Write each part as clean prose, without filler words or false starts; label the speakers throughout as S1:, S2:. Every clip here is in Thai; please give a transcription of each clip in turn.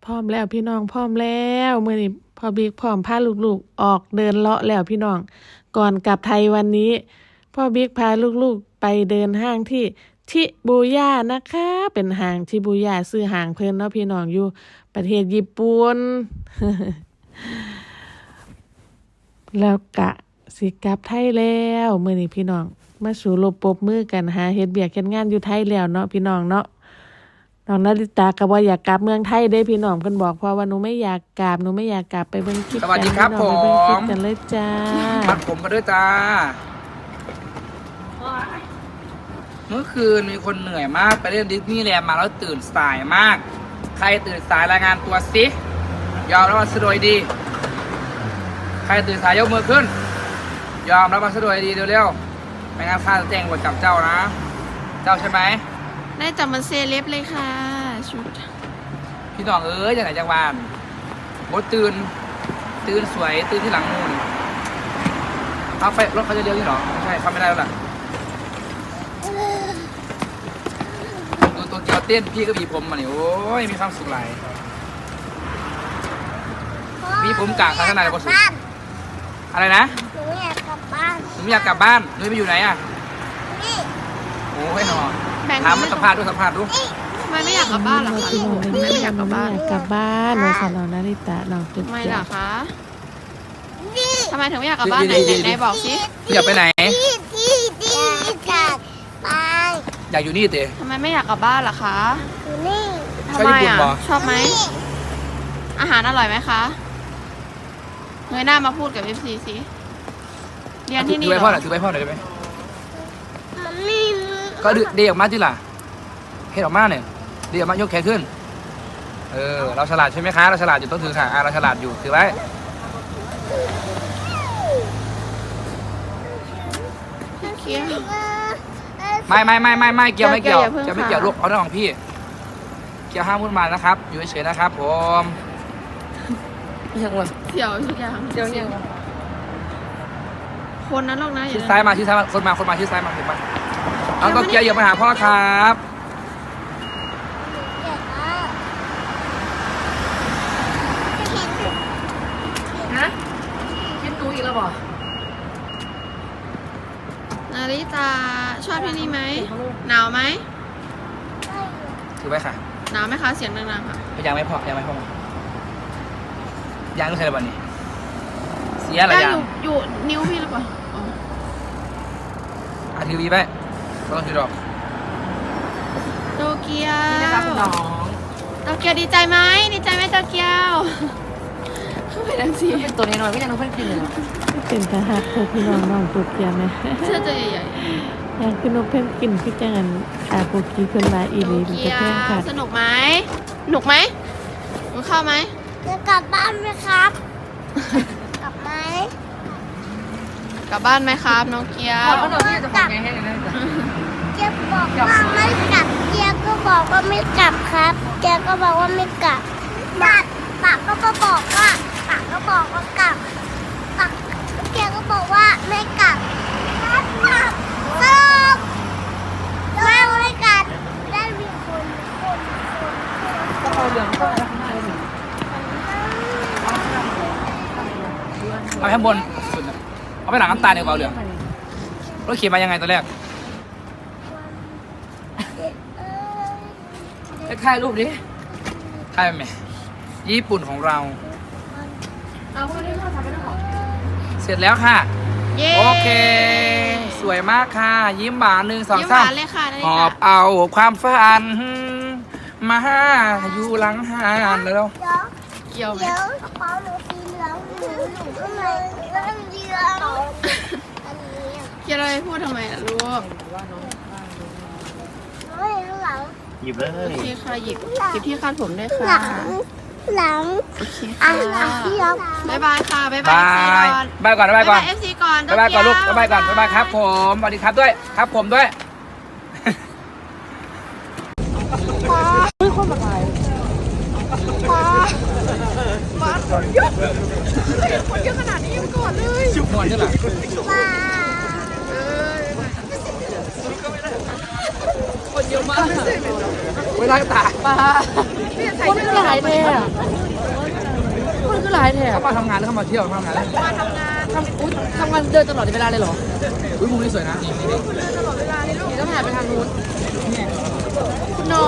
S1: พร้อมแล้วพี่น้องพร้อมแล้วมื้อนี้พ่อบิ๊กพร้อมพาลูกๆออกเดินเลาะแล้วพี่น้องก่อนกลับไทยวันนี้พ่อบิ๊กพาลูกๆไปเดินห้างที่ชิบูย่านะคะเป็นห้างชิบูย่าซื้อห้างเพิ่นเนาะพี่น้องอยู่ประเทศญี่ปุ่น แล้วกะสิกลับไทยแล้วมื้อนี้พี่น้องมาสู่รบปรบมือกันหาเฮ็ดเวียกเฮ็ดงานอยู่ไทยแล้วเนาะพี่น้องเนาะน้องนาริตาก็บ่อยากกลับเมืองไทยเด้พี่น้องเพิ่นบอกเพราะว่าหนูไม่อยากกลับไปเบิ่งคลิปกัน
S2: สวัสดีครับ
S1: พี่น้องไปเบิ่งคลิปกันเลยจ้า
S2: มัดผมกันด้วยจ้า เมื่อคืนมีคนเหนื่อยมากไปเล่นดิสนีย์แลนด์มาแล้วตื่นสายมาก ใครตื่นสายรายงานตัวสิยอมรับมาสะดวยดี ใครตื่นสายยกมือขึ้น ยอมรับมาสะดวยดีเร็วๆไม่งั้นข้าจะแจ้งบทจับเจ้านะ เจ้าใช่ไหม
S3: ได้จับมันเซเลบเลยค่ะชุด
S2: พี่น้องเอ้ยจากไหนจากบ้านโอ้ตื่นสวยตื่นที่หลังมูนเอาไปรถเขาจะเลี้ยวนี่หรอไม่ใช่เขาไม่ได้แล้วล่ะดูตัวเกียวเต้นพี่ก็บีผมมาเนี่ยโอ้ยมีความสุขหลายมีผมกลางข้างในก็สุขอะไรนะ
S4: หนูอยากกลับบ้าน
S2: หนูอยากกลับบ้านหนูไปอยู่ไหนอ่ะ
S4: นี่
S2: โอ้ยหนอ
S3: แบงค์
S2: ถามมันสัมภาษณ์ดู
S3: ทำไมไม่อยากกลับบ้านล่ะคะ
S1: พี่น้อง
S3: ทำไมไม่อยากกลับบ้าน
S1: อยากกลับบ้านว่าซั่นน้องนาริตาน้องตึก
S3: ทำไม
S1: เจ้า
S3: ล่ะคะ
S4: นี่
S3: ทำไมถึงไม่อยากกลับบ้านไหนบอกสิ
S2: อยากไปไหน
S4: ที่กลับบ้าน
S2: อยากอยู่นี่เต๋
S3: ทำไมไม่อยากกลับบ้านล่ะคะ
S4: อยู่นี่
S2: ชอบญี่ปุ่นเหรอ
S3: ชอบไหมอาหารอร่อยไหมคะเงยหน้ามาพูดกับ FC สิเรียนที่นี่
S2: ถือ
S3: เห
S2: ไป
S3: ร
S2: พ่อ
S3: อ
S2: หน่อยถือไปพ่อหน่อยได้ไหม
S4: มันนี่
S2: ก็เดียออกมาที่ล่ะเฮ็ดออกมาเนี่ยเดียออกมายกแขนขึ้นเราฉลาดใช่ไหมคะเราฉลาดอยู่ต้องถือค่ะเราฉลาดอยู่ถือไว้
S3: เคี้ยว
S2: ไม่เกี่ยวไม่เกี่ยว
S3: อย่าเพิ่ง
S2: จะไม่เกี่ยว
S3: ค่ะ
S2: ลูกเอาเรื่องของพี่เกี่ยวห้ามพูดมานะครับอยู่เฉยๆนะครับผม
S1: ยังวะ
S3: เสี่ยวทุกอย่างคนนั้นหรอกนะอย่า
S2: ชี้ซ้ายมาคนมาชี้ซ้ายมาเห็นปะน้องโตเกียวอย่ามาหาพ่อครับ
S1: ฮะคิดหนูอีกแล้วบ่
S3: นาริตาชอบที่นี่ไหมหนาวไหม
S2: ถือไว้ค่ะ
S3: หนาวไหมคะเสียงดังๆค่ะ
S2: ยังไม่พอยังต้องใช้อะไรบ้างนี่เสียอะไร
S3: ได้
S2: ยัง
S3: อยู่นิ้วพี่หรือเปล่าอ๋อ
S2: ทีวีไปก็ต้องถือดอก
S3: โตเกียวโตเกียวดีใจไหมโตเกียวเข้าไปดังสิ
S5: ตัวน้อยๆก็ยังต้องเพิ่งกินเลย
S1: เป็นทหารพวกพี่น้องน้องตุกเกียไหม
S3: เสื้อตัวใหญ่
S1: อยากกินนกเพิ่มกินพี่จังอันโปกีเพิ่นมาอี
S3: ๆ
S1: หลี
S3: โต
S1: มัน
S3: เกี
S1: จะ
S3: ย
S1: เพิ่ม
S3: ว
S1: ค่ะ
S3: สนุกไหมหนุกไหมหนูเข้าไหม
S4: จะกลับบ้านไหมครับ กลับไหม
S3: กลับบ้านไหมครับน้องเกียว
S5: เขาหน่อยที่จะของไงให้เลยนะ
S4: เจ๊บอกว่าไม่กลับเจ๊ก็บอกว่าไม่กลับครับเจ๊ก็บอกว่าไม่กลับปากก็บอกว่ากลับปากเจ๊ก็บอกว่าไม่กลับสรุปไม่กลับได้มีคน
S5: ก็เอาเหลืองเข้าไปข้างในเลย
S2: เอาข้างบนสุดน่ะเอาไปหลังน้ำตาลเนี่ยเบาเหลืองรถขี่มายังไงตอนแรก
S5: ถ่ายรูปดิ
S2: ใช่ไหมญี่ปุ่นของเรา
S5: เอาพวกนี้เข้าทำไปแล้วหรอ
S2: เสร็จแล้วค่ะ
S3: เย้
S2: โอเค สวยมากค่ะ ยิ้มหวาน1 2
S3: ยิ้มหวาน
S2: 3
S3: เลยค่ะนาริ
S2: หอ
S3: ตา
S2: บเอาความฝันมาอยู่หลังหานแล้ว
S3: เกี่ยวไหม
S4: เดี๋ยวกระเป๋าหนูสีเหลืองหนูข้างในเรื่องเดียวอันนี้
S3: เกี่ยวอะไรพูดทำไมล่ะลูก
S4: ไม่รู้หลัง
S6: หยิบเล
S3: โอย เคค่ะหยิบที่คาดผมด้วย
S4: หลั
S3: ค่ะ
S4: งหลัง
S3: โอเค
S4: อ่ะ
S3: ค่ะ
S4: ที่ยัง
S3: บ๊ายบายค่ะบ๊ายบา
S2: บาย
S3: ย
S2: บายก่อนบายก่อน
S3: เอฟซีก่อน
S2: บายบายก่อนลูกบายบายก่อนบายบายครับผมสวัสดีครับด้วยครับผมด้วย ชุบมวนใช่ไหม
S4: บ้า
S3: คนเยอะมาก
S2: เวลาตา
S3: ป้าคนคือหลายแท้คนคือหลายแท้
S2: เขามาทำงานหรือเขามาเที่ยวทำงานแล้ว
S3: มาทำงานทำงานเดินตลอดเวลาเลยเหรอ
S2: อุ้ยมุมนี้สวยนะนี่
S3: นี่ต้องถ่ายไปทางนู้นคุณน้อง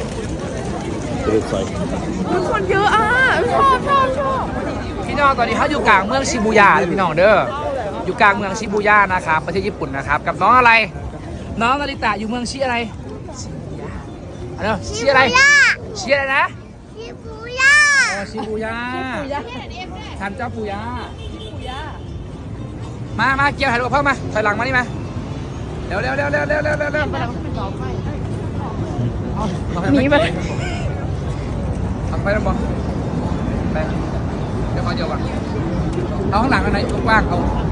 S3: คนเยอะอ่ะชอบ
S2: พี่น้องตอนนี้เขาอยู่กลางเมืองชิบูย่าเลยพี่น้องเด้ออยู่กลางเมืองชิบูย่านะครับประเทศญี่ปุ่นนะครับกับน้องอะไร น้องนาริตะอยู่เมืองชิอะไรอะไรชิอะไรชิอะไรนะ
S4: ชิบูย่า
S2: ชิบูย่าทันเจ้าปูย่ามาเกี่ยวถ่ายรูปกับพ่อมาถอยหลังมานี่มาเร็วหนีไปเอาไปแล้วบอไปเดี๋ยวขอเดียวก่อนเอาข้างหลังอันไหนกว้างเอา